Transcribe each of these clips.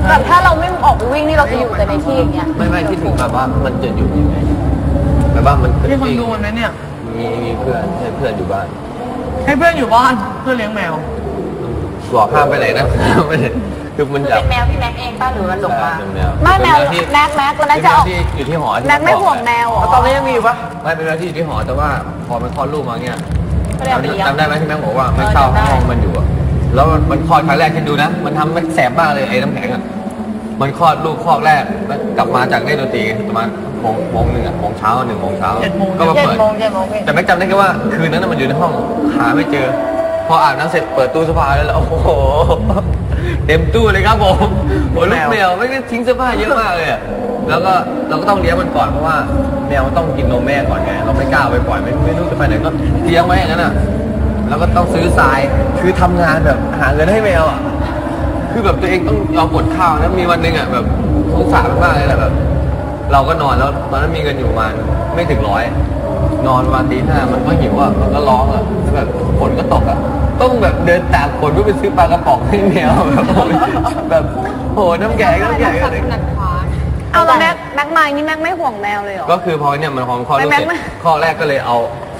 แบบถ้าเราไม่ออกไปวิ่งนี่เราจะอยู่แต่ในที่อย่างเงี้ยไม่คิดถึงแบบว่ามันจะอยู่ยังไงแบบว่ามันมีคนดูมันไหมเนี่ยมีเพื่อนให้เพื่อนอยู่บ้านให้เพื่อนอยู่บ้านเพื่อนเลี้ยงแมวบอกห้ามไปไหนนะไม่ได้คือมันเป็นแมวพี่แม็กเองป้าหรือมันหลงมาไม่แมวแม็กแล้วนั่นจะอยู่ที่หอแม็กไม่ห่วงแมวตอนนี้ยังมีอยู่ปะไม่เป็นแมวที่อยู่ที่หอแต่ว่าพอมันคลอดลูกมาเนี่ยจำได้ไหมที่แม่บอกว่าไม่เข้าห้องมันอยู่แล้วมันคลอดครั้งแรกที่ดูนะมันทำมันแสบมากเลยไอ้น้ำแข็งอ่ะมันคลอดลูกคลอดแรกแล้วกลับมาจากเล่นดนตรีประมาณโมงหนึ่งโมงเช้า1 โมงเช้าก็มาเปิดแต่แม็กจำได้แค่ว่าคืนนั้นมันอยู่ในห้องหาไม่เจอพออาบน้ำเสร็จเปิดตู้เสื้อผ้าแล้วโอ้โหเต็มตู้เลยครับผมโอ้ลูกแมวไม่ได้ทิ้งเสื้อผ้าเยอะมากเลยแล้วก็เราก็ต้องเลี้ยงมันก่อนเพราะว่าแมวต้องกินนมแม่ก่อนไงเราไม่กล้าไปปล่อยไม่รู้จะไปไหนก็เลี้ยงไว้อย่างนั้นอ่ะแล้วก็ต้องซื้อทรายคือทำงานแบบหาเงินให้แมวอ่ะคือแบบตัวเองต้องยอมอดข้าวนะมีวันหนึ่งอ่ะแบบสงสารมากเลยแหละแบบเราก็นอนแล้วตอนนั้นมีเงินอยู่ประมาณไม่ถึง100นอนประมาณตี 5มันก็หิวอ่ะมันก็ร้องอ่ะแบบฝนก็ตกอ่ะต้องแบบเดินตากฝนเพื่อไปซื้อปลากระป๋องให้แมวแบบโหน้ำแข็งอะไรเอาแล้วแม็กมานี่แม็กไม่ห่วงแมวเลยเหรอก็คือพอเนี่ยมันพอข้อลูกเสร็จข้อแรกก็เลย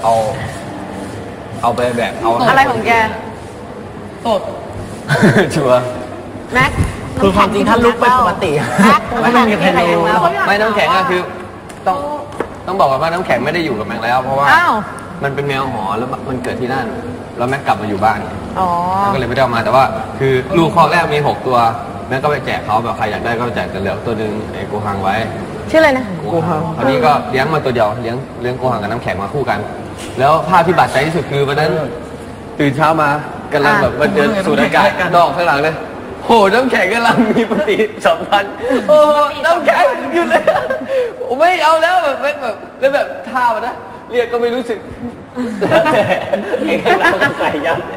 เอาไปแบบเอาอะไรของแกสดชัวร์แม็กคือความจริงถ้าลุกเป็นปกติไม่มีใครรู้ไม่น้ำแข็งอะคือต้องบอกว่าน้ำแข็งไม่ได้อยู่กับแม็กแล้วเพราะว่ามันเป็นแมวหอแล้วมันเกิดที่นั่นแล้วแม็กกลับมาอยู่บ้านก็เลยไม่ได้เอามาแต่ว่าคือลูกข้อแรกมี6 ตัวแม็กก็ไปแจกเขาแบบใครอยากได้ก็แจกแต่เหลือตัวนึงไอ้โกฮังไว้ชื่ออะไรนะโกฮังคราวนี้ก็เลี้ยงมาตัวเดียวเลี้ยงโกฮังกับน้ำแข็งมาคู่กันแล้วภาพที่บาดใจที่สุดคือวันนั้นตื่นเช้ามากำลังแบบมันเดินสูดอากาศนอกข้างหลังเลยโหน้ำแข็งกำลังมีปฏิสัมพันธ์โอ้น้ำแข็งอยู่เลยไม่เอาแล้วแบบแล้วแบบท่ามันนะเรียกก็ไม่รู้สึกไอ้ข้างหลังก็ใส่ยับ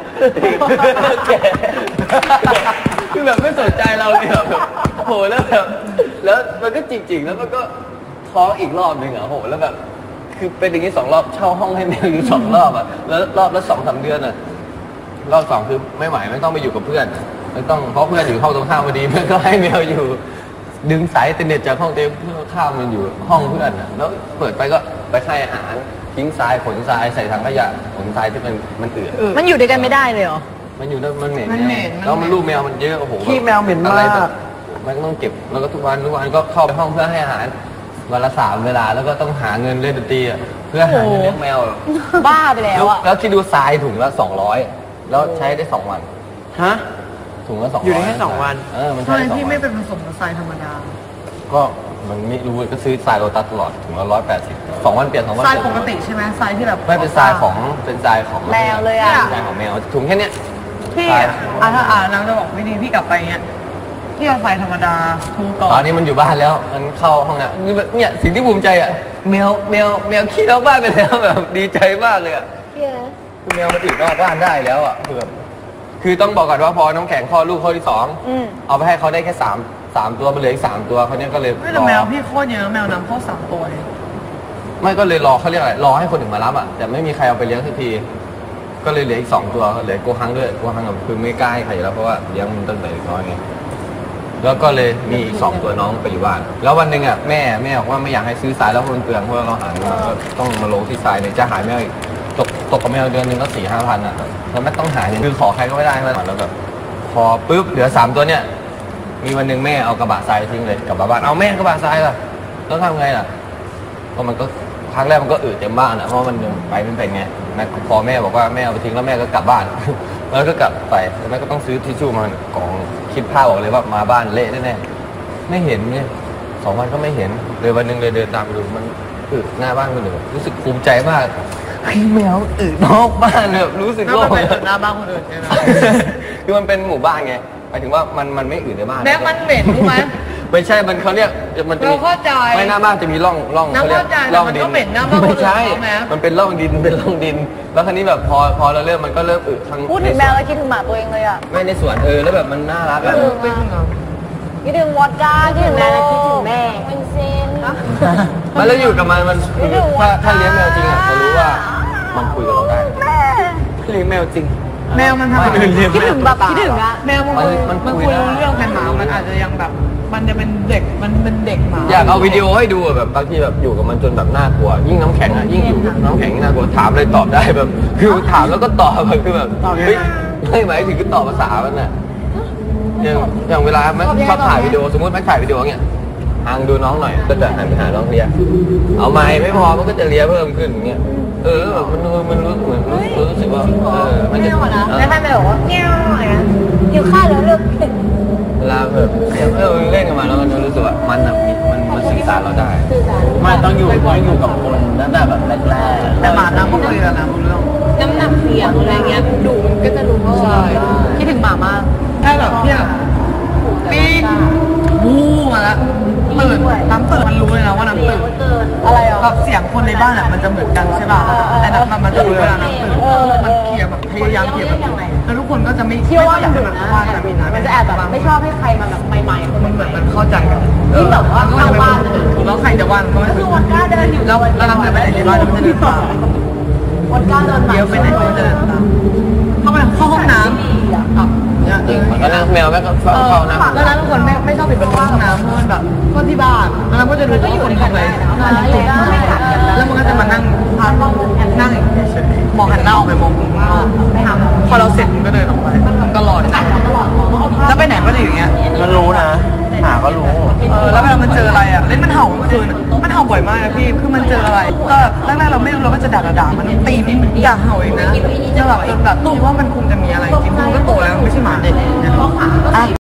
คือแบบไม่สนใจเราเลยแบบโหแล้วแบบแล้วมันก็จริงๆแล้วมันก็ท้องอีกรอบนึงอ่ะโหแล้วแบบคือเป็นอย่างนี้2 รอบเช่าห้องให้แมวอยู่2 รอบอ่ะแล้วรอบละ2-3 เดือนอ่ะรอบ2คือไม่ไหวไม่ต้องไปอยู่กับเพื่อนไม่ต้องเพราะเพื่อนอยู่ห้องตรงข้ามพอดีเพื่อนก็ให้แมวอยู่ดึงสายอินเทอร์เน็ตจากห้องเต็มเพื่อนข้ามมันอยู่ห้องเพื่อนอ่ะแล้วเปิดไปก็ไปให้อาหารทิ้งทรายขนทรายใส่ถังขยะขนทรายที่มันเอื่อยมันอยู่ด้วยกันไม่ได้เลยเหรอมันอยู่แล้วมันเหม็นแล้วมันลูกแมวมันเยอะโอ้โหขี้แมวเหม็นมากมันต้องเก็บแล้วก็ทุกวันก็เข้าไปห้องเพื่อให้อาหารวันละ3 เวลาแล้วก็ต้องหาเงินเล่นดนตรีเพื่อหาเงินเลี้ยงแมวบ้าไปแล้วอ่ะแล้วคิดดูทรายถุงละ200แล้วใช้ได้2 วันฮะถุงละ200 อยู่ได้แค่2 วันมันใช่ที่ไม่เป็นผสมกับทรายธรรมดาก็มันไม่รู้ก็ซื้อทรายโลตัสตลอดถุงละ180 2 วันเปลี่ยน2 วันทรายปกติใช่ไหมทรายที่แบบไม่เป็นทรายของแมวเลยอ่ะทรายของแมวถุงแค่เนี้ยพี่ถ้านางจะบอกไม่ดีพี่กลับไปเงี้ยพี่เอาทรายธรรมดาทูก่อนตอนนี้มันอยู่บ้านแล้วมันเข้าห้องเนี่ยสิ่งที่ภูมิใจอ่ะแมวขี้นอกบ้านไปแล้วแบบดีใจมากเลยอ่ะคือแมวมันอยู่นอกบ้านได้แล้วอ่ะคือต้องบอกก่อนว่าพอน้ำแข็งคลอดลูกข้อที่2เอาไปให้เขาได้แค่3 ตัวมันเหลืออีก3 ตัวเขาเนี่ยก็เลยไม่แต่แมวพี่โคตรเยอะแมวนำเข้า3 ตัวไม่ก็เลยรอเขาเรียกอะไรรอให้คนอื่นมารับอ่ะแต่ไม่มีใครเอาไปเลี้ยงสักทีก็เลยเหลืออีก2 ตัวเหลือโกฮังด้วยโกฮังคือไม่กล้าให้ใครแล้วเพราะว่าเลี้ยงมันตั้งแต่น้อยไงแล้วก็เลยมีอีก2 ตัวน้องไปอยู่บ้านแล้ววันหนึ่งอ่ะแม่บอกว่าไม่อยากให้ซื้อทรายแล้วมันเปลืองเพราะเราหาเงินก็ต้องมาลงที่ทรายเนี่ยจะหายแมวอีกตกกับแมวเดือนนึงก็4-5 พันอ่ะแล้วไม่ต้องหาเงินคือขอใครก็ไม่ได้แล้วแบบพอปุ๊บเหลือ3 ตัวเนี่ยมีวันหนึ่งแม่เอากระบะทรายทิ้งเลยกลับบ้านเอาแม่กระบะทรายล่ะต้องทำไงล่ะก็มันก็ครั้งแรกมันก็เต็มบ้านอ่ะเพราะมันไปไม่เป็นไงพอแม่บอกว่าแม่เอาไปทิ้งแล้วแม่ก็กลับบ้านแล้วก็กลับไปแล้วแม่ก็ต้องซื้อทิชชู่มากองคิดภาพออกเลยว่ามาบ้านเละแน่ๆไม่เห็นเนี่ย2 วันก็ไม่เห็นเลยวันหนึ่งเลยเดินตามไปดูมันหน้าบ้านคนอื่นรู้สึกภูมิใจมากแมวนอกบ้านแบบรู้สึกโล่งหน้าบ้านคนอื่นใช่ไหมคือมันเป็นหมู่บ้านไงหมายถึงว่ามันไม่ในบ้านแม้มันเหม็นรู้ไหมไม่ใช่มันเขาเรียกมันเราเข้าใจไม่หน้าบ้านจะมีร่องเขาเรียกร่องดินไม่ใช่มันเป็นร่องดินแล้วครั้นี้แบบพอเราเริ่มมันก็เริ่มทั้งพูดถึงแมวแล้วคิดถึงหมาตัวเองเลยอ่ะไม่ในสวนแล้วแบบมันน่ารักอ่ะคิดถึงวอดก้าคิดถึงแม่แล้วคิดถึงแม่เป็นเซนมันแล้วอยู่กับมันถ้าเลี้ยงแมวจริงอ่ะจะรู้ว่ามันคุยกับเราได้เลี้ยงแมวจริงแมวมันทำคิดถึงแบบคิดถึงอะแมวมันคุยเรื่องกันหมามันอาจจะยังแบบมันจะเป็นเด็กมันเป็นเด็กหมาอยากเอาวิดีโอให้ดูอะแบบบางทีแบบอยู่กับมันจนแบบน่ากลัวยิ่งน้ำแข็งอะยิ่งอยู่กับน้ำแข็งน่ากลัวถามเลยตอบได้แบบคือถามแล้วก็ตอบแบบคือแบบเฮ้ยไม่หมายถึงก็ตอบภาษามันน่ะอย่างเวลาแม่ชอบถ่ายวิดีโอสมมติแม่ถ่ายวิดีโอเงี้ยห่างดูน้องหน่อยก็จะหันไปหาน้องเลียเอาไม้ไม่พอมันก็จะเลียเพิ่มขึ้นอย่างเงี้ยแบบมันรู้เหมือนรู้สึกว่ามันจะแล้วท่านไปบอกว่าเงี้ยวอะไรนะอยู่ข้าวแล้วเลือกเวลาแบบเล่นกันมาแล้วมันรู้สึกว่ามันสื่อสารเราได้มันต้องอยู่กับคนตั้งแต่แบบแรกๆแต่หมาน้ำก็คุยกันนะเรื่องน้ำหนักเสียงอะไรเงี้ยดูมันก็จะรู้ว่าใช่คิดถึงหมามากแค่แบบเนี่ยปี๊ดวู้มาแล้วตื่นน้ำตื่นมันรู้เลยนะว่าน้ำตื่นอะไรอ่ะแบบเสียงคนในบ้านอ่ะมันจะเหมือนกันใช่ป่ะแต่น้ำมันจะรู้เวลาน้ำตื่นมันเคลียร์แบบพยายามเคลียร์แบบแล้วทุกคนก็จะไม่เชื่อว่าอยากดุให้มันนะว่ากันนะมันจะแอบแบบไม่ชอบให้ใครมาแบบใหม่ๆคนมันใหเหมืม่อนมันเข้าใจกันยิ่งแบบว่าเข้าบ้านเลยแล้วใครจะว่าก็ไม่ก็คือวันก้าเดินอยู่แล้วน้ำเดินไปไหนในบ้านมันจะเดินตามวันก้าเดินเดี๋ยวไปไหนก็จะเดินตามเข้าห้องน้ำจริงมันก็นั่งแมวแม่ก็เข้านะแล้วนั้นทุกคนไม่ชอบปิดประตูห้องน้ำเพราะมันแบบก็ที่บ้านแล้วก็จะดูว่าคนทำอะไรแล้วมันก็จะมานั่งพักนั่งเฉยๆมองหันหน้าออกไปมองข้างนอกพอเราเสร็จมันก็เดินออกไปตลอดแล้วไปไหนก็จะอย่างเงี้ยมันรู้นะหาก็รู้แล้วเวลามันเจออะไรอ่ะเล่นมันเห่าเมื่อคืนมันเห่าบ่อยมากนะพี่คือมันเจออะไรก็แรกๆเราไม่รู้เราก็จะด่ามันตีมันอย่าเห่าเองนะจนแบบคิดว่ามันคงจะมีอะไรจริงๆมันก็โตแล้วไม่ใช่หมาเด็ก